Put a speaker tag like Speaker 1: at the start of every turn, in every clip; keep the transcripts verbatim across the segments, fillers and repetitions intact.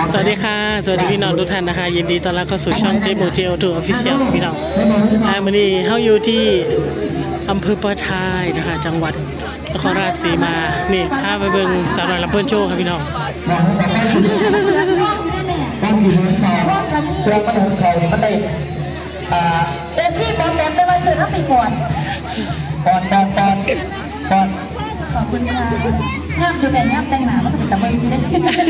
Speaker 1: สวัสดีค่ะสวัสดีพี่น้องทุกท่านนะคะยินดีต้อนรับเข้าสู่ช่องเจมูเจลทูออฟฟิเชียลพี่น้องอ่าวันนี้เฮาอยู่ที่อำเภอปะทายนะคะจังหวัดนครราชสีมานี่พาไปเบิ่งสาวน้อยลำเพิ่นโชว์ครับพี่น้อง
Speaker 2: ตั้งอยู่บนเขาเพื่อมาถึงเขาเนี่ยมันได้อ่าเต็มที่บอลแหลมไปวันเสาร์แล้วปีก่อนก่อนก่อนก่อนก่อนขอบคุณค่ะงามอยู่แต่งามแต่งหนามันก็เป็นตะเบิงได้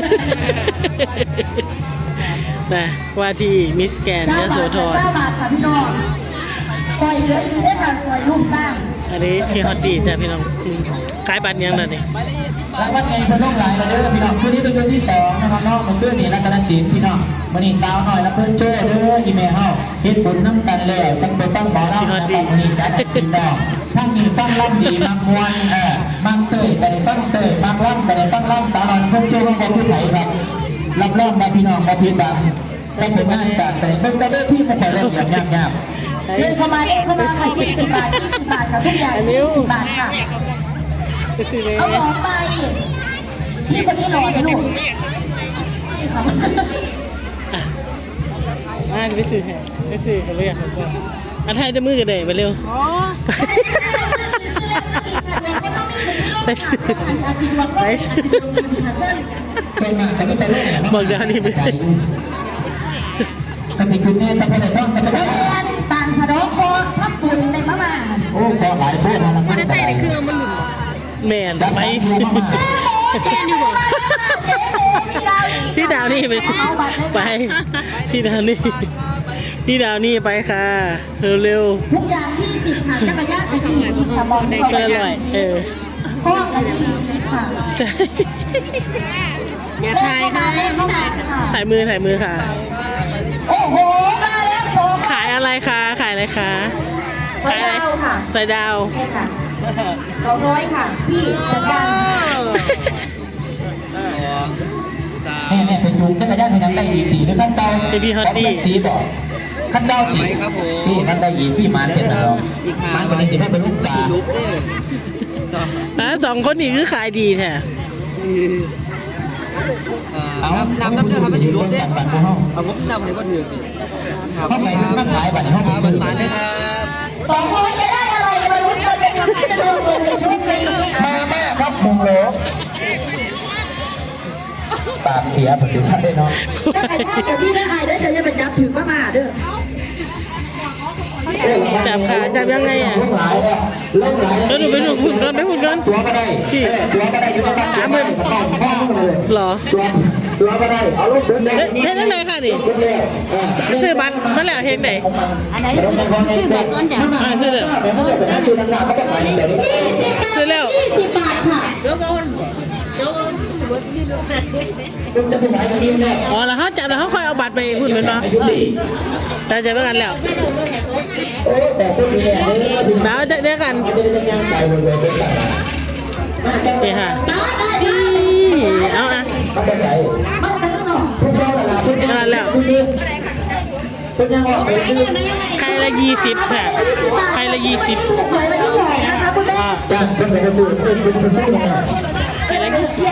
Speaker 1: นะว่าที่มิสแกรนด์ยโสธร
Speaker 2: เก้าบาทค่ะพี่น้องซอยเหลืออีกได้ค่ะซอยลูกสร้าง
Speaker 1: อันนี้ที่ฮอตดีจ้ะพี่น้องขายบัตรยังน่ะนี่
Speaker 2: แล้ววันไงเพิ่นลงหลายแล้วเด้อพี่น้องคืนนี้เป็นคืนที่สองนะครับน้องเมื่อคืนนี้รัตนศิลป์พี่น้องวันนี้สาวหน่อยแล้วเพิ่นโจ้เด้อที่แม่เฮาเฮ็ดบุญน้ำกันเลยตั้งแต่ตั้งบ่อน้ำนะครับวันนี้จัดพี่น้องทั้งนี้ตั้งล่ำดีมักมวนเออมักเตยแต่ได้ตั้งเตยมักล่ำแต่ได้ตั้งล่ำสาวหน่อยเพิ่นโจ้ของผู้ไทยครับรับรองมาพี่น้องมาพี่บังได้ผลงานจากแต่เบิ่งได้ที่มาแต่เรื่องอย่างยากๆเล่นเข้ามาเล่นเข้ามาค่ะยี่สิบบาทยี่สิบบาทค่ะทุกอย่างยี่สิบบาทค่ะเอาสองใบพี่คนนี้หล่อไหมลูก
Speaker 1: อ่าไปซื้อแห่ไปซื้อเขาเรียกเขาก็อันไทยจะมือกันได้ไปเร็วไปซื้อไปซื้อบอกเดี๋ยวนี้ไปซื้อ
Speaker 2: แต่ที่คุณเนี่ยแต่คนไหนต้องแต่ไม่ได้ตานสะดอกคอพับปุ่นในมะม่าโอ้คอหลายพวกนะมันจะใส่ในเครื่องมันหลุด
Speaker 1: แมนไปซื้อพี่ดาวนี่ไปซื้อไปพี่ดาวนี่พี่ดาวนี่ไปค่ะเร็ว
Speaker 2: ๆทุกอย่างที่สิบค่ะจักรยานสี่สิบค่ะบอกได้
Speaker 1: ก็อร่อยเออ
Speaker 2: ข้อละยี่สิบค่ะ
Speaker 3: อย่าถ่ายค่ะ
Speaker 1: ถ่ายมือถ่ายมือค่ะ
Speaker 2: โอ้โหมาแล้วโซ่
Speaker 1: ขายอะไรคะขายอะไรคะ
Speaker 2: ขายอะไรค่ะ
Speaker 1: ใส่ดาว
Speaker 2: ใช่ค่ะสองร้อยค่ะพี่จักรยานเนี่ยเนี่ยเป็นยุงจักรยานที่น้ำได้อีสีหรือขั้นเตา
Speaker 1: จะพี่ฮอตดี้
Speaker 2: สีบอกขั้นเตาสีที่ขั้นได้อีพี่มาเนี่ยเรามันคนนี้จะไม่เป็นลูกตา
Speaker 1: อ่ะสองคนนี้คือขายดีแท้
Speaker 2: เอาน้ำน้ำเดือดทำให้สีรุ้งเนี่ยเอาผมนำให้พ่อถือห้องไหนห้องขายบัตรห้องเปิดมาเลยครับสองร้อยจะได้อะไรมาลุ้นกันเลยครับที่จะรวมเงินในช่วงนี้มาแม่ครับมุงโลปากเสียผมดูได้เนาะได้ถ้าพี่ได้ไอ้ได้จะยังไปจับถือมามาเด้อ
Speaker 1: จับขาจับยังไงอ่ะแล้วหนูไปหนูหุ่นก่อนไปหุ่นก่อน
Speaker 2: ตัวก็ได้พี่ตัวก็ได้อยู่ในบ้าน
Speaker 1: ถามเพิ่นหรอ
Speaker 2: ตัวก็ได้เอาลูกเดินได้
Speaker 1: เฮ็ดจังได๋ค่ะนี่ซื้อบัตรมาแล้วเฮ็ดได้
Speaker 3: อันไหนซื้อแบบต้นจ้ะ
Speaker 1: อ่าซื้อแล้วซื้อแล้ว
Speaker 2: ยี่สิบบาทค่ะ
Speaker 3: เดี๋ยวก่อนเดี๋ยวก่อน
Speaker 1: อ๋อแล้วเขาจับแล้วเขาค่อยเอาบัตรไปพุ่นเป็นป่ะแต่ใจเมื่อกันแล้วน้าวจะเดียวกันนี่ค่ะเอาอ่ะนั่นแล้วใครละยี่สิบค่ะใครละยี่สิบอ่าใครละยี่สิบ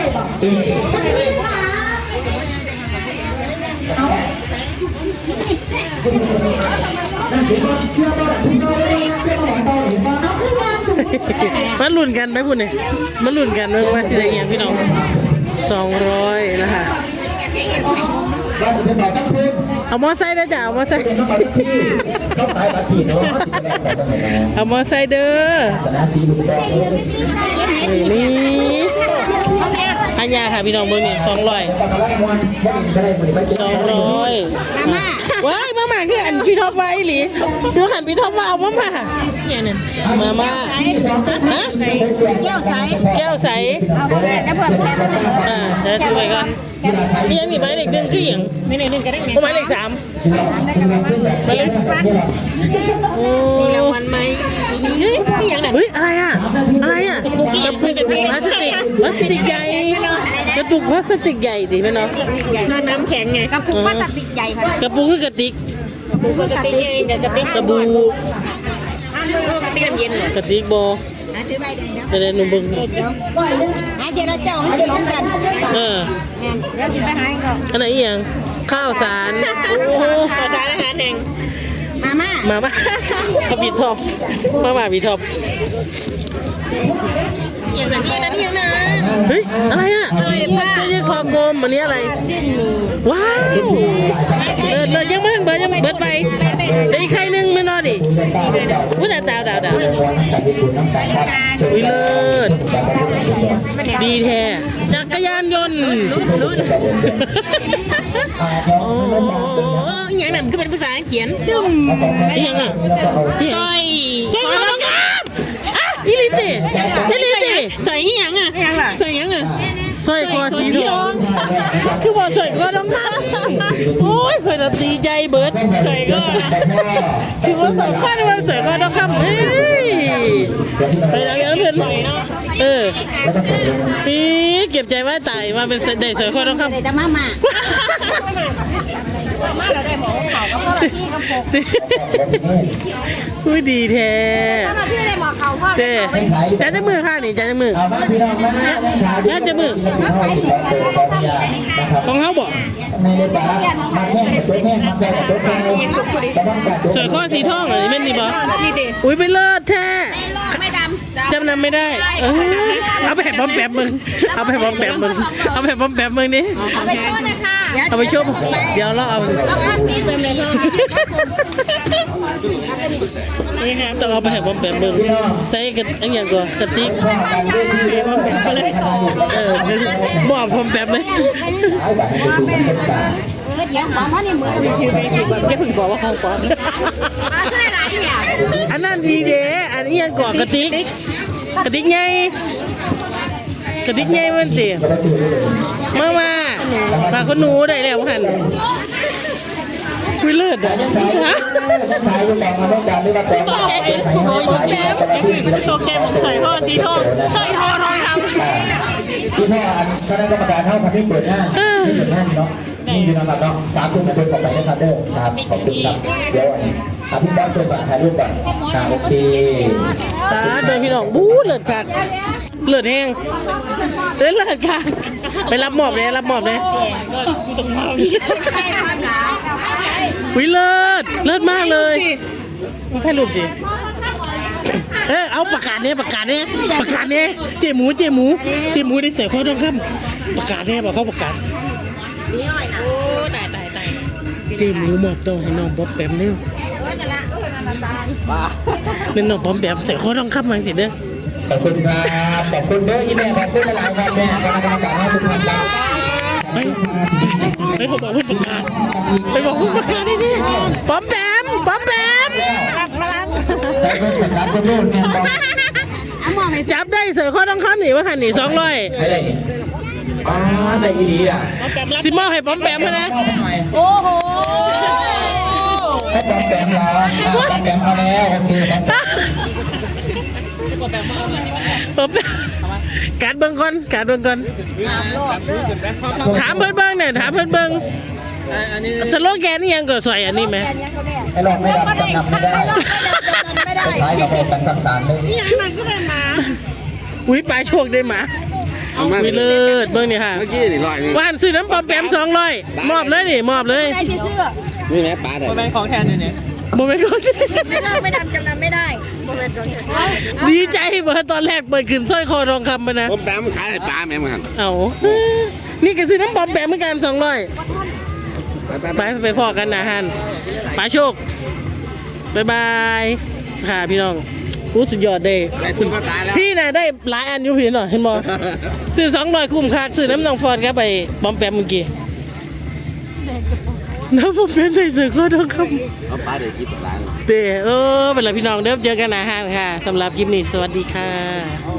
Speaker 1: มันหลุนกันไหมคุณเนี่ยมันหลุนกันว่าสิได้ยังพี่น้องสองร้อยนะคะเอามอไซค์ได้จ้ะเอามอไซค์เอามอไซค์เด้อนี่อันยาค่ะพี่น้องเบอร์นี่สองร้อยสองร้อยว้ายมาหมาคืออันพี่ท็อปไว้หรือดูหันพี่ท็อปว่าเอามาหมาเนี่ยเนี่ยมามาฮะ
Speaker 3: แก้วใส
Speaker 1: แก้วใส
Speaker 3: เอาไปเลยแล้วเพิ่มแค่นั้น
Speaker 1: อ่าเดี๋ยวถือไปก่อนพี่ยังมีไม้เล็กหนึ่งคืออย่าง
Speaker 3: ไม่เล็กหนึ่งก็ได้ไง
Speaker 1: ไม้เล็กสามไม้เล็กสามโอ้
Speaker 3: รางวัลไหมเฮ้ยพี่ยังไหน
Speaker 1: เฮ้ยอะไรอ่ะอะไรอ่ะกระปุกพลาสติกพลาสติกใหญ่กระปุกพลาสติกใหญ่ดิแม่เนาะ
Speaker 3: น้ำแข็งไงกระปุกพลาสติกใหญ่ค่ะ
Speaker 1: กระปุกคือกระติก
Speaker 3: กระปุกคือกระติกเดี๋ยวกระติก
Speaker 1: สบู่
Speaker 3: กระติกน้ำเย็นเลย
Speaker 1: กระติกโบจะได้หนุ่มบึง
Speaker 4: เจรเจ้ามันจะล้มกัน
Speaker 1: เออ
Speaker 4: เดี๋ยวสิไปหาก่อน
Speaker 1: อันไหนอีหยังข้าวสารโอ้
Speaker 3: ขอสารอาหารแห่ง
Speaker 4: มาม่า
Speaker 1: มามาเขาบีทอบมามาบีทอบ
Speaker 3: อย่างนั้นอย่างนั้นอย่างนั้น
Speaker 1: เฮ้ยอะไรอ่ะเสื้อยืดคอกลมอันนี้อะไร
Speaker 4: สิ้นนี้
Speaker 1: ว้าวเบิดเบิดยังไม่ทันเบิดยังเบิดไปเดี๋ยวอีกใครนึงไม่นอนดิวุ้ยดาวดาวดาวดาววิเลิศดีแท้จักรยานยนต์
Speaker 3: โอ้อย่างนั้นคือเป็นภาษาอังกฤษตึ้ม
Speaker 1: อีหยังอ่ะ
Speaker 3: ซอย
Speaker 1: ใช่ไหมต้องการอ่ะอีลิติอีลิติ
Speaker 3: ใส่ยังอ่ะใส่ยังอ่ะ
Speaker 1: สร้อยคอสีทองคือบอกสร้อยคอทองคำโอ้ยเพื่อนตีใจเบิร์ด
Speaker 3: ใส่ก็
Speaker 1: คือว่าสร้อยคอนี่มันสร้อยคอทองคำเฮ้ยไปแล้วยังเพื่อนเออปีเก็บใจไว้ตายมาเป็นได้สร้อยคอทองคำ
Speaker 4: เดี๋ยวจะมาม่ามาเราได้หมอเขาก็พ่อพี่กับผม
Speaker 1: อุ้ยดีแท้
Speaker 4: พ่อพี่ได้หมอเขาพ่อ
Speaker 1: เจ๊จานจะมือข้างนี่จานจะมือ
Speaker 2: เอามาพี่น้องมา
Speaker 1: จานจะมือของเขาบอก
Speaker 2: ในเรื่องการมาแข่งกับตัวแข่งมาแข่งกับตัวแข่งจะต้องการตัว
Speaker 1: สร้อยคอสีทองเหรอแม่นนี่บอ
Speaker 3: นี่เด็
Speaker 1: อุ้ยไปเลิศแท้
Speaker 4: ไม่ดำ
Speaker 1: จำนำไม่ได้เออเอาไปแผ่บอมแปมมึงเอาไปแผ่บอมแปมมึงเอาไปแผ่บอมแปมมึงนี่
Speaker 4: เอาไปช่วยนะคะ
Speaker 1: เอาไปชมเดี๋ยวเราเอา
Speaker 4: เอาผ้าสีเต็มเลย
Speaker 1: นี่ครับต้องเอาไปแผ่บอมแปมมึงใส่กันอันอย่างก่อนกระติกบอมแปมไปเลยเออมอบบอมแปมเลย
Speaker 4: เออเดี๋ยวหมอมาในมือ
Speaker 3: คือไม่คือแบบอย่าเพิ่งบอกว่าเขาก่อน
Speaker 4: มาขึ้นหลายเนี่ย
Speaker 1: อันนั้นดีเด้อันนี้ยังก่อนกระติกกระติกไงกระติกไงมันสิมามามาคนหนูได้แล้วหันคุยเลิศอ่ะฮะ
Speaker 2: สายอยู่แต่งมาต้องการหรือว่าแต่ง
Speaker 3: โอ้ยโอ้ยแก้มนี่คือโซแก้มของใส่พ่อสีทองใส่ทองทองคำ
Speaker 2: ที่พ่ออันคณะกรรมการเท่าพันที่เปิดหน้าที่เปิดหน้าเนาะนี่อยู่นะครับเนาะสามทุ่มมาเป็นต่อไปนะครับเด้อครับขอบคุณครับเดี๋ยวอภิบาลเปิดก่อนถ่ายรูปก่อนครับโอเค
Speaker 1: ตาเดินพี่น้องบู๊เลิศคักเลิศแห้งเลิศเลิศคักไปรับหมอบเลยรับหมอบเลยวิเลิศเลิศมากเลยมึงถ่ายรูปสิเออเอาประกาศเนี่ยประกาศเนี่ยประกาศเนี่ยเจหมูเจหมูเจหมูได้เสียข้อต้องคำประกาศเนี่ยบอกเขาประกาศ
Speaker 3: โอ้ตายตายตาย
Speaker 1: เจหมูมอบตัวให้น้องบ๊อบแปมเนี่ยเป็นน้องบ๊อบแปมเสียข้อต้องคำมาสิเด้อ
Speaker 2: ขอบคุณครับขอบคุณเด้ออีแม่ขอบคุณหลายๆครับแม่คณะกรรมการให้ทุกท่านครับ
Speaker 1: ไปไปเขาบอกเพื่อนประกาศไปบอกเพื่อนประกาศได้ดิบ๊อบแปมบ๊อบแปม
Speaker 3: รับรับ
Speaker 2: ได้เพิ่มกับรับเพิ่มรุ่นเนี่ยต้อง
Speaker 4: เอาหมอไม่
Speaker 1: จับได้เสือข้อต้องคำหนีว่าหันหนีสองร้อย
Speaker 2: ได้เลยอ๋อได้อีดีอ่ะ
Speaker 1: สิมอบให้บ๊อบแปมนะ
Speaker 4: โอ้โห
Speaker 2: ให้บอมแปมเหรออ่ะบอมแปมเอาแล้วโอเคบอมแปม
Speaker 1: บ๊อบแปมการเบิ้งก่อนการเบิ้งก่อนถามเพื่อนเบิ้งเนี่ยถามเพื่อนเบิ้งสโลแกนนี่ยังก็ใส่อันนี้ไหม
Speaker 2: ให้ลองไม่รับจำนำไม่ได้
Speaker 4: ไม่ได้
Speaker 2: สุดท้ายกับโอสันสังสารเลย
Speaker 4: อย่างนั้นก็ได้มา
Speaker 1: อุ้ยปลาโชคได้หมาวิเลิศเบิ้งนี่ค่ะ
Speaker 5: เมื่อกี้นี่ร้อยหนึง
Speaker 1: ว่านซื้อน้ำปอมแปมสองร้อยมอบเลยนี่มอบเลย
Speaker 4: ได้ที่เสื้อ
Speaker 5: นี่แม่ปลาได้
Speaker 1: โมเมนต์ของแทนเนี่ยโมเมนต์ของแทน
Speaker 4: ไม่ได้ไม่ดำจำนำไม่ได้โมเมนต์ตรงนี้
Speaker 1: ดีใจเบอร์ตอนแรกเปิดขึ้นสร้อยคอทองคำไปนะ
Speaker 5: ผมแปลมันขายให้ปลาแม่มัน
Speaker 1: เอานี่ก็ซื้อน้ำปอมแปมเหมือนกันสองร้อย
Speaker 5: ไปไป
Speaker 1: ไปไปพอกันนะฮันปลาโชคบายบายค่ะพี่น้องรู้สุดยอดเด้
Speaker 5: ไปคุณก็ตายแล้ว
Speaker 1: พี่น่ะได้หลายอันอยู่พี่หน่อยเห็นบ่ซื้อสองร้อยคุ้มค่าซื้อน้ำนองฟอดครับไปบอมแปมเมื่อกี้น้ำบอมแปมใส่เสื้อคอทองคำ
Speaker 5: เอาปลาเดี๋ยวคิดปลา
Speaker 1: เด้อเออเป็นไรพี่น้องเด้อเจอกันนะฮันค่ะสำหรับคลิปนี้สวัสดีค่ะ